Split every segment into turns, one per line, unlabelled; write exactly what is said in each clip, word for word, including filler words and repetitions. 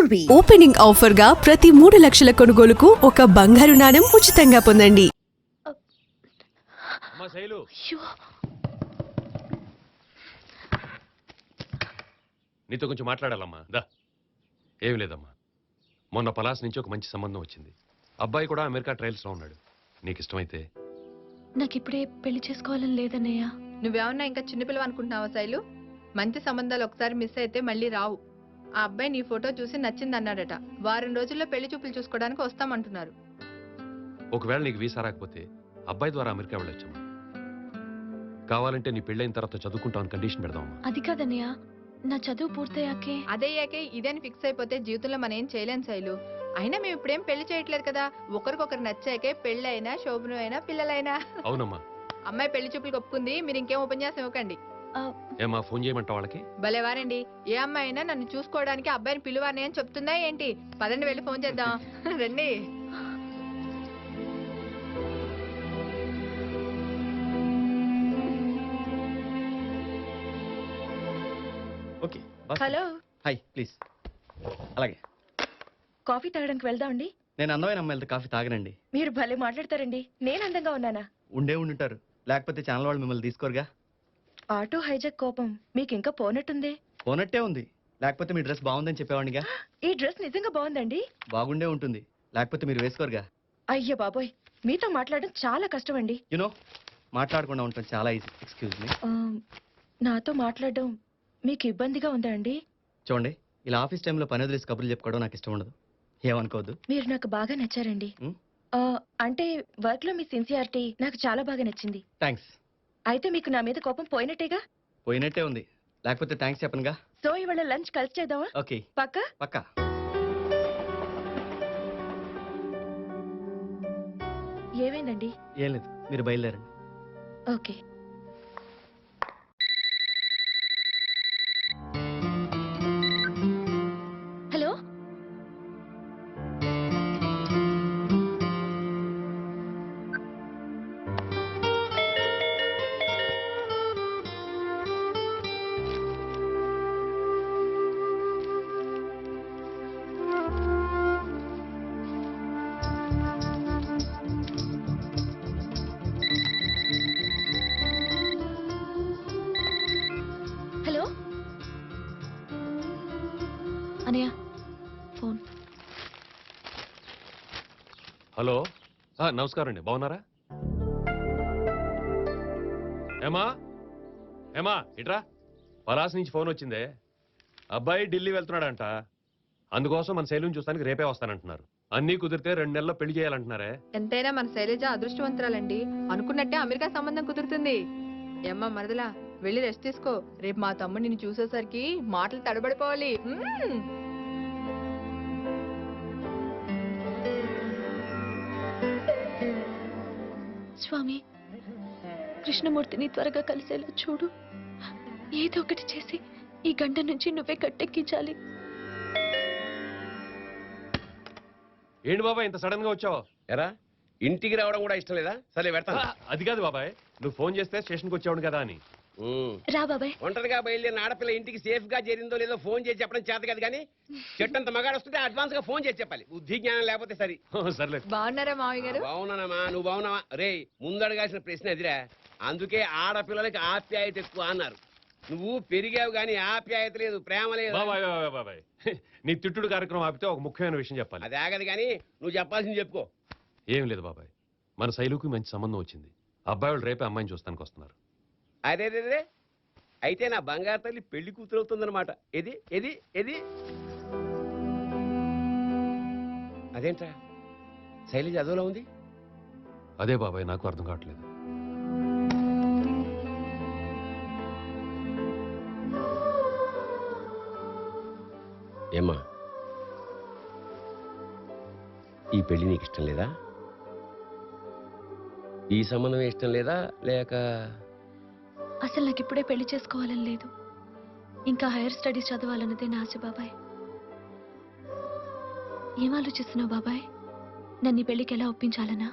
Jewellery opening offer గా ప్రతి మూడు లక్షల కొనుగోలుకు ఒక బంగారు నాణెం ఉచితంగా పొందండి.
నీతో కొంచెం మాట్లాడాలమ్మా. దా. ఏమి లేదమ్మా, మొన్న పలాస్ నుంచి ఒక మంచి సంబంధం వచ్చింది. అబ్బాయి కూడా అమెరికా ట్రయల్స్లో ఉన్నాడు. నీకు ఇష్టమైతే.
నాకు ఇప్పుడే పెళ్లి చేసుకోవాలని లేదన్నయ్య.
నువ్వేమన్నా ఇంకా చిన్నపిల్లవ అనుకుంటున్నావా శైలు? మంచి సంబంధాలు ఒకసారి మిస్ అయితే మళ్ళీ రావు. ఆ అబ్బాయి నీ ఫోటో చూసి నచ్చింది అన్నాడట. వారం రోజుల్లో పెళ్లి చూపులు చూసుకోవడానికి వస్తామంటున్నారు.
ఒకవేళ నీకు వీసా రాకపోతే అబ్బాయి ద్వారా అమెరికా వెళ్ళొచ్చమ్మా. కావాలంటే నీ పెళ్ళైన తర్వాత చదువుకుంటామని కండిషన్ పెడదామమ్మా.
అది కాదన్నయ్య, నా చదువు పూర్తయ్యాకే.
అదయ్యాకే ఇదని ఫిక్స్ అయిపోతే జీవితంలో మనం ఏం చేయలేం శైలు. అయినా మేము ఇప్పుడేం పెళ్లి చేయట్లేదు కదా. ఒకరికొకరు నచ్చాకే పెళ్లి అయినా శోభనం అయినా పిల్లలైనా.
అవునమ్మా.
అమ్మాయి పెళ్లి చూపులకు ఒప్పుకుంది. మీరు ఇంకేం ఉపన్యాసం ఇవ్వకండి.
ఏమా ఫోన్ చేయమంటావు వాళ్ళకి?
భలేవారండి. ఏ అమ్మాయి అయినా నన్ను చూసుకోవడానికి అబ్బాయిని పిలువాని అని చెప్తుందా ఏంటి? పదండి వెళ్ళి ఫోన్ చేద్దాం. రండి.
ఓకే.
హలో.
Hi, please. అలాగే.
కాఫీ తాగడానికి వెళ్దామండి.
నేను అందమైన అమ్మాయిలతో కాఫీ తాగనండి.
మీరు భలే మాట్లాడతారండి. నేను అందంగా ఉన్నానా?
ఉండే ఉండుంటారు, లేకపోతే ఛానల్ వాళ్ళు మిమ్మల్ని తీసుకోరుగా.
ఆటో హైజాక్ కోపం మీకు ఇంకా పోనట్టుంది.
పోనట్టే ఉంది, లేకపోతే మీ డ్రెస్ బాగుందని చెప్పేవాడిగా.
ఈ డ్రెస్ నిజంగా బాగుందండి.
బాగుండే ఉంటుంది, లేకపోతే మీరు వేసుకోరుగా.
అయ్యో బాబోయ్, మీతో మాట్లాడడం చాలా కష్టం అండి.
యునో, మాట్లాడకుండా ఉంటాం చాలా ఈజీ. Excuse me.
నాతో మాట్లాడడం మీకు ఇబ్బందిగా ఉందా అండి?
చూడండి, ఇలా ఆఫీస్ టైంలో పని వదిలేసి కబుర్లు చెప్పుకోవడం నాకు ఇష్టం ఉండదు. ఏమనుకోవద్దు.
మీరు నాకు బాగా నచ్చారండి. అంటే వర్క్ లో మీ సిన్సియారిటీ నాకు చాలా బాగా నచ్చింది.
థ్యాంక్స్.
అయితే మీకు నా మీద కోపం పోయినట్టేగా?
పోయినట్టే ఉంది, లేకపోతే థ్యాంక్స్ చెప్పనుగా.
సో ఇవాళ లంచ్ కలిసి చేద్దామా?
ఓకే.
పక్కా?
పక్కా.
ఏమైందండి?
ఏం లేదు, మీరు బయలుదేరండి.
Okay. Hello. Hello Anayya, phone.
Hello. నమస్కారం అండి, బాగున్నారా? ఏమా ఏమా ఇట్రా. పలాస్ నుంచి ఫోన్ వచ్చిందే. అబ్బాయి ఢిల్లీ వెళ్తున్నాడంట. అందుకోసం మన శైలిని చూస్తానికి రేపే వస్తానంటున్నారు. అన్నీ కుదిరితే రెండు నెలల్లో పెళ్లి చేయాలంటున్నారే.
ఎంతైనా మన శైలజ అదృష్టవంతురాలండి. అనుకున్నట్టే అమెరికా సంబంధం కుదురుతుంది. ఏమ్మా మరదలా, వెళ్ళి రెస్ట్ తీసుకో. రేపు మా తమ్ముడు నిన్ను చూసేసరికి మాటలు తడబడిపోవాలి.
స్వామి, కృష్ణమూర్తిని త్వరగా కలిసేలా చూడు. ఏదో ఒకటి చేసి ఈ గంట నుంచి నువ్వే కట్టెక్కించాలి.
ఏంటి బాబాయ్ ఇంత సడన్ గా వచ్చావు?
ఎరా, ఇంటికి రావడం కూడా ఇష్టం లేదా? సరే పెడతా.
అది కాదు బాబాయ్, నువ్వు ఫోన్ చేస్తే స్టేషన్కి వచ్చావు కదా అని.
రా బాబాయ్.
ఒంటరిగా బయలుదేరిన ఆడపిల్ల ఇంటికి సేఫ్ గా చేరిందో లేదో ఫోన్ చేసి చెప్పడం చేత కాదు, కానీ చెట్టంత మగాడు వస్తుంటే అడ్వాన్స్ గా ఫోన్ చేసి చెప్పాలి. బుద్ధి జ్ఞానం లేకపోతే సరే.
సర్లే.
బాగున్నారా మావయ్య గారు?
బాగున్నానమ్మా, నువ్వు బాగున్నావా? రే, ముందడగాల్సిన ప్రశ్న ఎదిరా. అందుకే ఆడపిల్లలకి ఆప్యాయత ఎక్కువ అన్నారు. నువ్వు పెరిగావు గానీ ఆప్యాయత లేదు, ప్రేమ లేదు.
బాబాయ్ బాబాయ్, నీ తిట్టుడు కార్యక్రమం ఆపితే ఒక ముఖ్యమైన విషయం చెప్పాలి.
అది ఆగదు కానీ నువ్వు చెప్పాల్సింది చెప్పుకో.
ఏం లేదు బాబాయ్, మన శైలుకి మంచి సంబంధం వచ్చింది. అబ్బాయి వాళ్ళు రేపే అమ్మాయిని చూస్తానికి వస్తున్నారు.
అదే రే, అయితే నా బంగారు తల్లి పెళ్లి కూతురు అవుతుందన్నమాట. ఎది ఎది ఎది అదేంట్రా, శైలజ అదోలా ఉంది.
అదే బాబాయ్, నాకు అర్థం కావట్లేదు.
ఏమ్మా, ఈ పెళ్లి నీకు ఇష్టం లేదా? ఈ సంబంధమే ఇష్టం లేదా, లేక?
అసలు నాకు ఇప్పుడే పెళ్లి చేసుకోవాలని లేదు. ఇంకా హైయర్ స్టడీస్ చదవాలన్నదే నా ఆశ బాబాయ్. ఏం ఆలోచిస్తున్నావు బాబాయ్? నన్ను ఈ పెళ్లికి ఎలా ఒప్పించాలనా?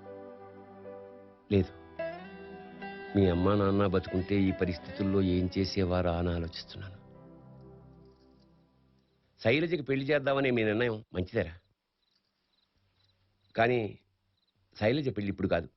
లేదు, మీ అమ్మా నాన్న బతుకుంటే ఈ పరిస్థితుల్లో ఏం చేసేవారా అని ఆలోచిస్తున్నాను. శైలజకి పెళ్లి చేద్దామనే మీ నిర్ణయం మంచిదేరా, కానీ శైలజ పెళ్లి ఇప్పుడు కాదు.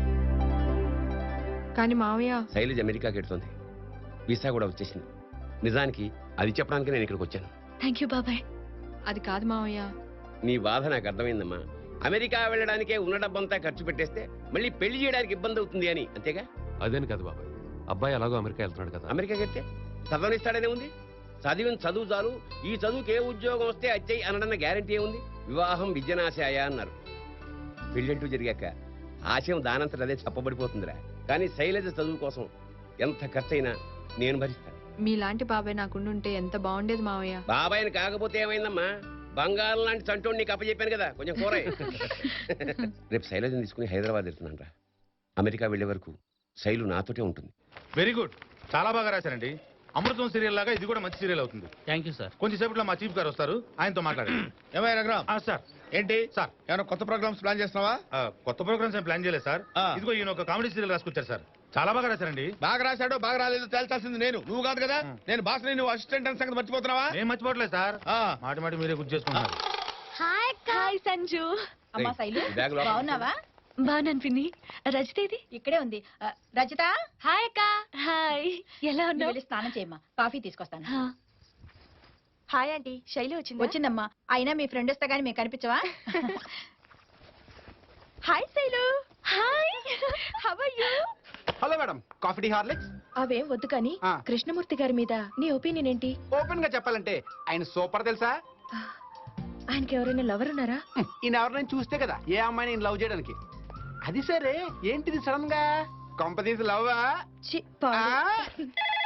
కానీ మావయ్య,
శైలజ అమెరికాకి వెళ్తుంది, వీసా కూడా వచ్చేసింది. నిజానికి అది చెప్పడానికి నేను ఇక్కడికి వచ్చాను.
థ్యాంక్ యూ బాబాయ్.
అది కాదు మావయ్య.
నీ బాధ నాకు అర్థమైందమ్మా. అమెరికా వెళ్ళడానికే ఉన్న డబ్బంతా ఖర్చు పెట్టేస్తే మళ్ళీ పెళ్లి చేయడానికి ఇబ్బంది అవుతుంది అని, అంతేగా?
అదేని కదా బాబాయ్, అబ్బాయి అలాగో అమెరికా వెళ్తున్నాడు కదా.
అమెరికా వెళ్తే చదవనిస్తాడనే ఉంది. చదివిన చదువు చాలు, ఈ చదువుకి ఏ ఉద్యోగం వస్తే అచ్చయి అనడన్న గ్యారంటీ ఏముంది? వివాహం విద్యనాశాయ అన్నారు. పెళ్ళంటూ జరిగాక ఆశయం దానంతట అదే చెప్పబడిపోతుందిరా. కానీ శైలజ చదువు కోసం ఎంత ఖర్చైనా నేను భరిస్తాను.
మీలాంటి బాబాయ్ నాకుండుంటే ఎంత బాగుండేది మావయ్య.
బాబాయ్ని కాకపోతే ఏమైందమ్మా, బంగారం లాంటి చంటోడు నీకు అప్పచెప్పాను కదా, కొంచెం కూర. రేపు శైలజని తీసుకుని హైదరాబాద్ వెళ్తున్నాను రా. అమెరికా వెళ్లే వరకు శైలు నాతోటే ఉంటుంది.
వెరీ గుడ్, చాలా బాగా రాశారండి. అమృతం సీరియల్ లాగా ఇది కూడా మంచి సీరియల్ అవుతుంది.
Thank you sir.
కొంచెం సేపట్లో మా చీఫ్ గారు వస్తారు, ఆయనతో మాట్లాడండి. ఏమయ్య రఘురామ్? సార్ ఏంటి సార్, ఏమైనా కొత్త ప్రోగ్రామ్స్ ప్లాన్ చేస్తున్నావా? కొత్త ప్రోగ్రామ్స్ ఏం ప్లాన్ చేయలేదు సార్. ఇదిగో ఈయన ఒక కామెడీ సీరియల్ రాసుకొచ్చారు సార్, చాలా బాగా రాశారండి. బాగా రాశాడో బాగా రాలేదో తేల్చాల్సింది నేను, నువ్వు కాదు కదా. నేను బాస్, నువ్వు అసిస్టెంట్ అని సంగతి మర్చిపోతున్నావా? నేను మర్చిపోవట్లేదు సార్, మాటి మాటి మీరే గుర్తు చేసుకుంటున్నారు.
Hi hi Sanju.
అమ్మా శైలు,
ఈ బ్యాగ్ లోపల
బాగున్నావా?
బాగున్నాను పిన్ని. రజితేది?
ఇక్కడే ఉంది. ఆ, రజిత,
హాయ్ అక్క. హాయ్, ఎలా
నువ్వు
ఉన్నావు?
వెళ్ళి స్నానం చేయమ్మా, కాఫీ తీసుకొస్తాను.
హా. హాయ్ ఆంటీ, శైలి వచ్చింది.
వచ్చిందమ్మా. అయినా మీ ఫ్రెండ్ వస్తే గానీ మీకు కనిపించవా?
Hi Shailu. Hi, how are you?
Hello madam, coffee tea Horlicks?
అవేం వద్దు కానీ
ఆ.
కృష్ణమూర్తి గారి మీద నీ ఒపీనియన్ ఏంటి?
ఓపెన్ గా చెప్పాలంటే ఆయన సూపర్ తెలుసా.
ఆయనకి ఎవరైనా లవర్ ఉన్నారా?
హ్మ్, ఈయన ఎవరినైనా చూస్తే కదా ఏ అమ్మాయిని ఈయన లవ్ చేయడానికి. అది సరే, ఏంటిది సడన్ గా కంపెనీస్ లవ్వా?
ఛీ, పాడు.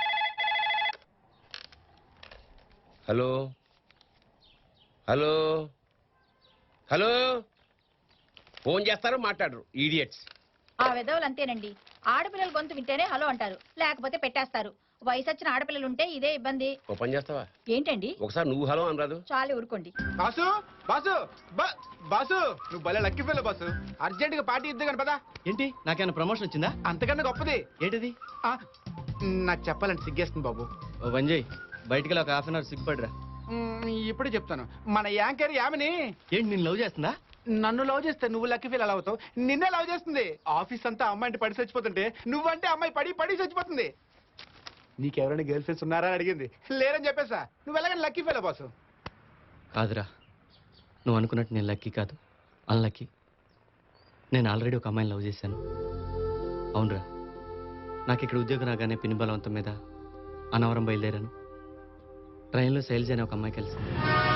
హలో హలో హలో ఫోన్ చేస్తారు, మాట్లాడరు, ఈడియట్స్.
ఆ విధవులు అంతేనండి. ఆడపిల్లల గొంతు వింటేనే హలో అంటారు, లేకపోతే పెట్టేస్తారు. వయసు వచ్చిన ఆడపిల్లలు ఉంటే ఇదే ఇబ్బంది.
ఓ పని చేస్తావా,
ఏంటండి?
ఒకసారి నువ్వు హలో అనరాదు?
చాలు ఊరుకోండి.
బాసు బాసు బా- బాసు, నువ్వు భలే లక్కీ ఫెలో బాసు. అర్జెంట్ గా పార్టీ ఇద్దు కానీ పదా.
ఏంటి, నాకేమైనా ప్రమోషన్ వచ్చిందా?
అంతకన్నా గొప్పది.
ఏంటిది?
ఆ, నాకు చెప్పాలంటే సిగ్గేస్తుంది బాబు.
ఓ వంజయ్, బయటికి వెళ్ళి ఒక హాఫ్ అన్ అవర్ సిగ్గుపడరా.
మ్, ఇప్పుడే చెప్తాను. మన యాంకర్ యామిని
ఏంటి, నేను లవ్ చేస్తుందా?
నన్ను లవ్ చేస్తే నువ్వు లక్కీ ఫీల్ అలా అవుతావు. నిన్నే లవ్ చేస్తుంది. ఆఫీస్ అంతా అమ్మాయి పడి చచ్చిపోతుంటే నువ్వంటే అమ్మాయి పడి పడి చచ్చిపోతుంది. నీకెవరైనా గర్ల్ ఫ్రెండ్స్ ఉన్నారా అని అడిగింది. లేరని చెప్పేసా. నువ్వు వెళ్ళగానే లక్కీ ఫీల్ బాసు.
కాదురా, నువ్వు అనుకున్నట్టు నేను లక్కీ కాదు, అన్లక్కీ. నేను ఆల్రెడీ ఒక అమ్మాయిని లవ్ చేశాను. అవునరా, నాకు ఇక్కడ ఉద్యోగం రాగానే పిన్ని బలవంతం మీద అన్నవరం బయలుదేరాను. ట్రైన్లో శైలజ అనే ఒక అమ్మాయి కలిసింది.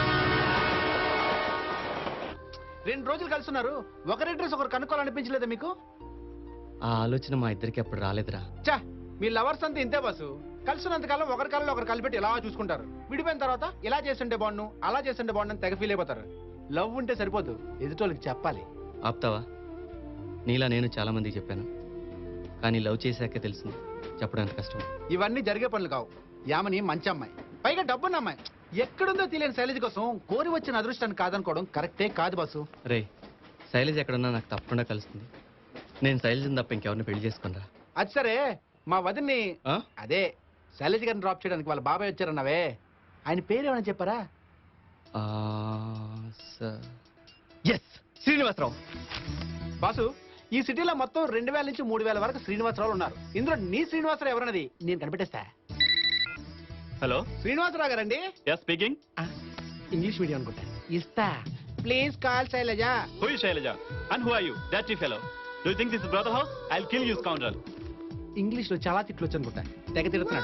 రెండు రోజులు కలుస్తున్నారు, ఒకరి డ్రెస్ ఒకరు కనుక్కోవాలనిపించలేదా మీకు?
ఆ ఆలోచన మా ఇద్దరికి అప్పుడు రాలేదురా.
చా, మీ లవర్స్ అంతా ఇంతే బాసు. కలుసున్నంత కాలం ఒకరి కాలంలో ఒకరు కలిపెట్టి ఇలా చూసుకుంటారు. విడిపోయిన తర్వాత ఇలా చేస్తుంటే బాగుండు, అలా చేస్తుంటే బాగుండు అని తెగ ఫీల్ అయిపోతారు. లవ్ ఉంటే సరిపోదు, ఎదుటోళ్ళకి చెప్పాలి.
ఆపుతావా? నీలా నేను చాలా మందికి చెప్పాను, కానీ లవ్ చేశాకే తెలిసింది చెప్పడానికి కష్టం.
ఇవన్నీ జరిగే పనులు కావు. యామని మంచి అమ్మాయి, పైగా డబ్బున్న అమ్మాయి. ఎక్కడుందో తెలియని శైలజ కోసం కోరి వచ్చిన అదృష్టాన్ని కాదనుకోవడం కరెక్టే కాదు బాసు.
రే, శైలజ ఎక్కడున్నా నాకు తప్పకుండా కలుస్తుంది. నేను శైలజని తప్ప ఇంకెవరిని పెళ్లి చేసుకున్నా.
అది సరే, మా వదిన్ని అదే శైలజ గారిని డ్రాప్ చేయడానికి వాళ్ళ బాబాయ్ వచ్చారన్నావే, ఆయన పేరు ఏమైనా చెప్పారా?
ఎస్, శ్రీనివాసరావు.
బాసు, ఈ సిటీలో మొత్తం రెండు వేల నుంచి మూడు వేల వరకు శ్రీనివాసరావు ఉన్నారు. ఇందులో నీ శ్రీనివాసరావు ఎవరన్నది నేను కనిపెట్టేస్తా.
హలో,
శ్రీనివాసరావు గారండి?
Yes speaking.
ఇంగ్లీష్ మీడియం అనుకుంటా. ఇస్తా, please call Shailaja.
Who is Shailaja? And who are you? Dirty fellow. Do you think this is brother house? I'll kill you, scoundrel.
English లో చాలా తిట్లు వచ్చు అనుకుంటా, తెగ తిడుతున్నాడు.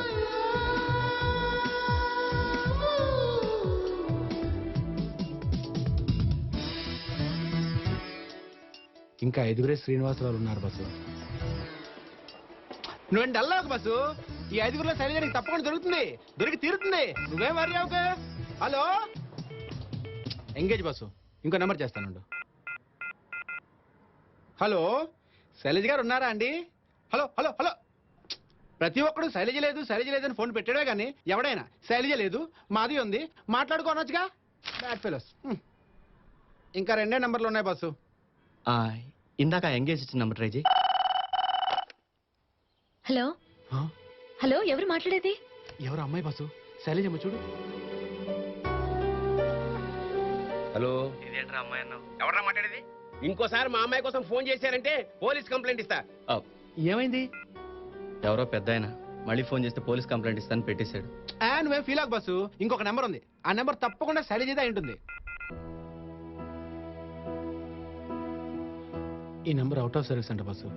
ఇంకా ఐదుగురే శ్రీనివాసరావు ఉన్నారు బస్సు. నువ్వేం డల్లావు బస్సు. ఈ ఐదుగురులో శైలజ నీకు తప్పకుండా దొరుకుతుంది, దొరికి తీరుతుంది. నువ్వేం వరి అవ్వకు. Hello, engage boss. ఇంకో నెంబర్ చేస్తానుండు. హలో, శైలజ గారు ఉన్నారా అండి? Hello hello hello. ప్రతి ఒక్కడు శైలజ లేదు శైలజ లేదని ఫోన్ పెట్టాడే కానీ ఎవడైనా శైలజ లేదు మాది ఉంది మాట్లాడుకోనొచ్చుగా. Bad fellows. ఇంకా రెండే నెంబర్లు ఉన్నాయి బస్సు.
ఇందాక ఎంగేజ్ ఇచ్చిన నెంబర్ ట్రై చేయి.
హలో హలో, ఎవరు మాట్లాడేది?
ఎవరు అమ్మాయి బస్సు, శైలజమ్మ చూడు.
హలో,
ఇదేంట్రా అమ్మాయి అన్నావు?
ఎవరా మాట్లాడేది? ఇంకోసారి మా అమ్మాయి కోసం ఫోన్ చేశారంటే పోలీస్ కంప్లైంట్ ఇస్తా.
ఏమైంది? ఎవరో పెద్ద ఆయన మళ్ళీ ఫోన్ చేస్తే పోలీస్ కంప్లైంట్ ఇస్తాను పెట్టేశాడు.
ఆ, నువ్వేం ఫీల్ అవ్వకు బస్సు. ఇంకొక నెంబర్ ఉంది, ఆ నెంబర్ తప్పకుండా శైలజదే అయి ఉంటుంది. ఈ నెంబర్ అవుట్ ఆఫ్ సర్వీస్ అంట బస్సు.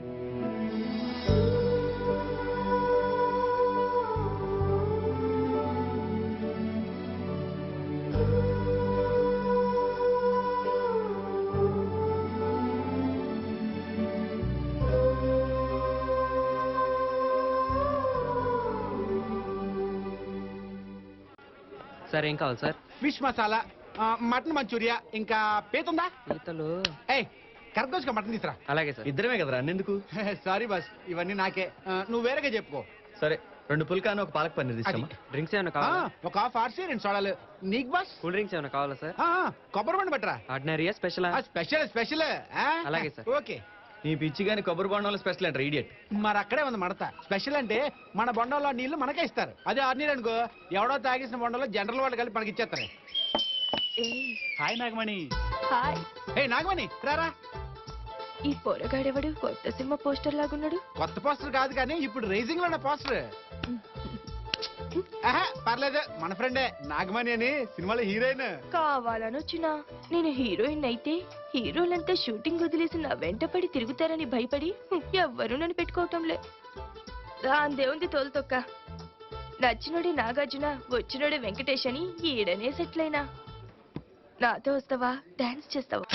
సార్ ఏం కావాలి సార్?
ఫిష్ మసాలా, ఆ, మటన్ మంచూరియా, ఇంకా పీతుందా?
పీతలు.
ఏయ్ కరెక్ట్ మటన్ తీసురా.
అలాగే సార్. ఇద్దరమే కదరా అన్నెందుకు?
సారీ బస్, ఇవన్నీ నాకే. ఆ, నువ్వు వేరేగా చెప్పుకో.
సరే, రెండు పుల్కాను ఒక పాలక్ పన్నీర్ తీసుకోమా. డ్రింక్స్ ఏమైనా
ఆ, ఒక హాఫ్ ఆర్సీ రెండు సోడాలు. నీకు బస్?
కూల్ డ్రింక్స్ ఏమైనా కావాలా సార్?
ఆ, ఆ, కొబ్బరి బండి పట్టరా.
ఆర్డినరీయా స్పెషల్?
Special special.
అలాగే సార్.
ఓకే.
నీ పిచ్చి గాని కొబ్బరి బొండంలో స్పెషల్ అంటారు ఇడియట్.
మరి అక్కడే ఉంది మడత. స్పెషల్ అంటే మన బొండంలో నీళ్లు మనకే ఇస్తారు. అదే ఆర్నీరు అనుకో, ఎవడో తాగేసిన బొండంలో జనరల్ వాళ్ళు కలిపి మనకి ఇచ్చేస్తారు. Hi Nagamani.
Hi.
Hey Nagamani రారా.
ఈ పొరగాడెవడు కొత్త సినిమా పోస్టర్ లాగున్నాడు?
కొత్త పోస్టర్ కాదు కానీ ఇప్పుడు రైజింగ్ లో ఉన్న పోస్టర్. ఆహా, పర్లేదు, మన ఫ్రెండే నాగమణి అని, సినిమాలో హీరోయిన్.
కావాలని వచ్చినా నేను హీరోయిన్ అయితే హీరోలంతా షూటింగ్ వదిలేసి నా వెంట పడి తిరుగుతారని భయపడి ఎవ్వరూ నన్ను పెట్టుకోవటంలే. దాందేముంది తోలుతొక్క. నచ్చినోడే నాగార్జున, వచ్చినోడే వెంకటేష్ అని ఈడనే సెటిల్ అయినా. నాతో వస్తావా? డాన్స్ చేస్తావా?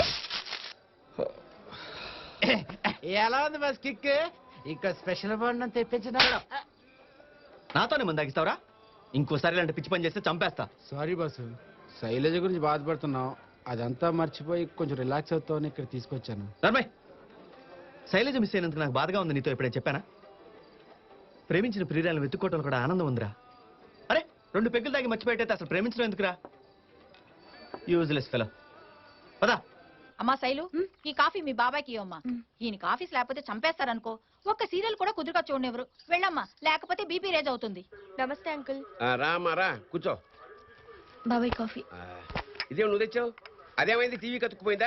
ఎలా ఉంది బస్ కిక్? ఇంకా స్పెషల్ బొండం తెప్పించినాడు.
నాతోనే ముందు తగ్గిస్తావురా? ఇంకోసారి ఇలాంటి పిచ్చి పని చేస్తే చంపేస్తా.
సారీ బాసు, శైలజ గురించి బాధపడుతున్నావు. అదంతా మర్చిపోయి కొంచెం రిలాక్స్ అవుతావని ఇక్కడ తీసుకొచ్చాను.
ధర్మయ్, శైలజ మిస్ అయినందుకు నాకు బాధగా ఉంది. నీతో ఎప్పుడైనా చెప్పానా? ప్రేమించిన ప్రియురాలను వెతుక్కోవటం కూడా ఆనందం ఉందిరా. అరే, రెండు పెగ్గులు తాగి మర్చిపోయేటైతే అసలు ప్రేమించడం ఎందుకురా? Useless fellow. పదా.
అమ్మా శైలు, ఈ కాఫీ మీ బాబాయ్కి ఇవ్వమ్మా. ఈయన కాఫీస్ లేకపోతే చంపేస్తారనుకో. ఒక్క సీరియల్ కూడా కుదురుగా చూడనివ్వరు. వెళ్ళమ్మా, లేకపోతే బీపీ రేజ్ అవుతుంది.
నమస్తే అంకుల్.
ఆ, రామ్మా రా, కూర్చో.
బాబాయ్ కాఫీ.
ఆ, ఇదేం నువ్వు తెచ్చావు? అదేమైంది, టీవీ కతుక్కుపోయిందా?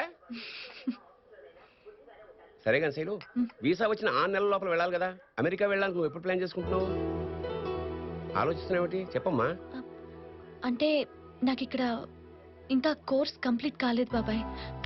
సరే కానీ శైలు, వీసా వచ్చిన ఆరు నెలల లోపల వెళ్ళాలి కదా. అమెరికా వెళ్ళాలని నువ్వు ఎప్పుడు ప్లాన్ చేసుకుంటున్నావు? ఆలోచిస్తున్నావేమిటి, చెప్పమ్మా.
అంటే నాకు ఇక్కడ ఇంకా కోర్స్ కంప్లీట్ కాలేదు బాబాయ్.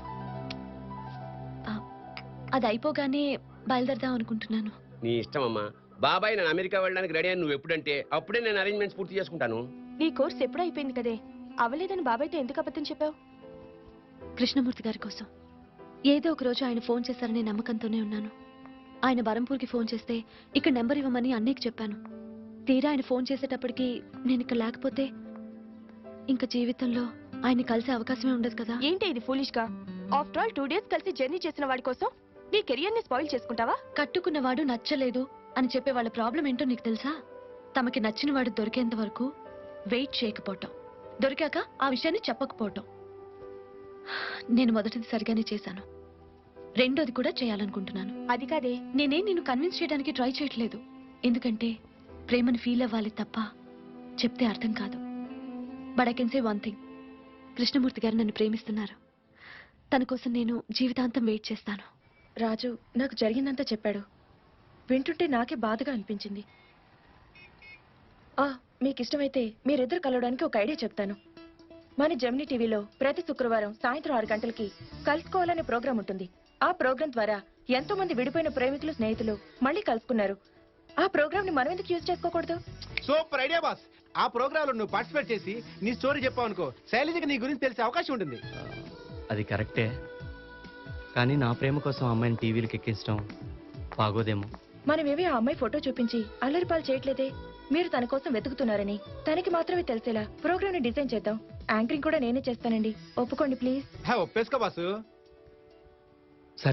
ఆ, అది అయిపోగానే బయలుదేరదాం అనుకుంటున్నాను.
నీ ఇష్టం అమ్మా. బాబాయ్ నేను అమెరికా వెళ్ళడానికి రెడీ అని నువ్వు ఎప్పుడంటే అప్పుడే నేను అరేంజ్మెంట్స్ పూర్తి చేసుకుంటాను.
నీ కోర్స్ ఎప్పుడు అయిపోయింది కదే, అవలేదని బాబాయ్తో ఎందుకు అబద్ధం చెప్పావు? కృష్ణమూర్తి గారి కోసం ఏదో ఒక రోజు ఆయన ఫోన్ చేశారనే నమ్మకంతోనే ఉన్నాను. ఆయన బరంపూర్కి ఫోన్ చేస్తే ఇక్కడ నెంబర్ ఇవ్వమని అన్నయ్యకి చెప్పాను. తీరా ఆయన ఫోన్ చేసేటప్పటికి నేను ఇక్కడ లేకపోతే ఇంకా జీవితంలో ఆయన కలిసే అవకాశమే ఉండదు కదా. ఏంటి ఇది ఫూలిష్ గా? ఆఫ్టర్ ఆల్ టూ డేస్ కలిసి జర్నీ చేసిన వాడి కోసం నీ కెరియర్ ని స్పాయిల్ చేసుకుంటావా? కట్టుకున్నవాడు నచ్చలేదు అని చెప్పే వాళ్ళ ప్రాబ్లం ఏంటో నీకు తెలుసా? తమకి నచ్చిన వాడు దొరికేంత వరకు వెయిట్ చేయకపోవటం, దొరికాక ఆ విషయాన్ని చెప్పకపోవటం. నేను మొదటిది సరిగానే చేశాను, రెండోది కూడా చేయాలనుకుంటున్నాను. అది కాదే, నేనేం నిన్ను కన్విన్స్ చేయడానికి ట్రై చేయట్లేదు. ఎందుకంటే ప్రేమను ఫీల్ అవ్వాలి తప్ప చెప్తే అర్థం కాదు. But I can say one thing, Krishnamurthy గారు నన్ను ప్రేమిస్తున్నారు. తన కోసం నేను జీవితాంతం వెయిట్ చేస్తాను. రాజు నాకు జరిగిందంతా చెప్పాడు. వింటుంటే నాకే బాధగా అనిపించింది. మీకు ఇష్టమైతే మీరిద్దరు కలవడానికి ఒక ఐడియా చెప్తాను. మన జెమినీ టీవీలో ప్రతి శుక్రవారం సాయంత్రం ఆరు గంటలకి కలుసుకోవాలనే ప్రోగ్రాం ఉంటుంది. ఆ ప్రోగ్రాం ద్వారా ఎంతో మంది విడిపోయిన ప్రేమికులు, స్నేహితులు మళ్ళీ కలుసుకున్నారు. ఆ ప్రోగ్రామ్ ని మనం ఎందుకు యూజ్ చేసుకోకూడదు?
Super idea boss. ఆ ప్రోగ్రామ్ లో నువ్వు పార్టిసిపేట్ చేసి నీ స్టోరీ చెప్పావు అనుకో, శైలజకి నీ గురించి తెలిసే అవకాశం ఉంటుంది.
అది కరెక్టే, కానీ నా ప్రేమ కోసం అమ్మాయిని టీవీలకు ఎక్కించడం బాగోదేమో.
మనమేవి ఆ అమ్మాయి ఫోటో చూపించి అల్లరిపాలు చేయట్లేదే. మీరు తన కోసం వెతుకుతున్నారని తనకి మాత్రమే తెలిసేలా ప్రోగ్రామ్ ని డిజైన్ చేద్దాం. యాంకరింగ్ కూడా నేనే చేస్తానండి, ఒప్పుకోండి ప్లీజ్.
ఒప్పేసుకో బాసు.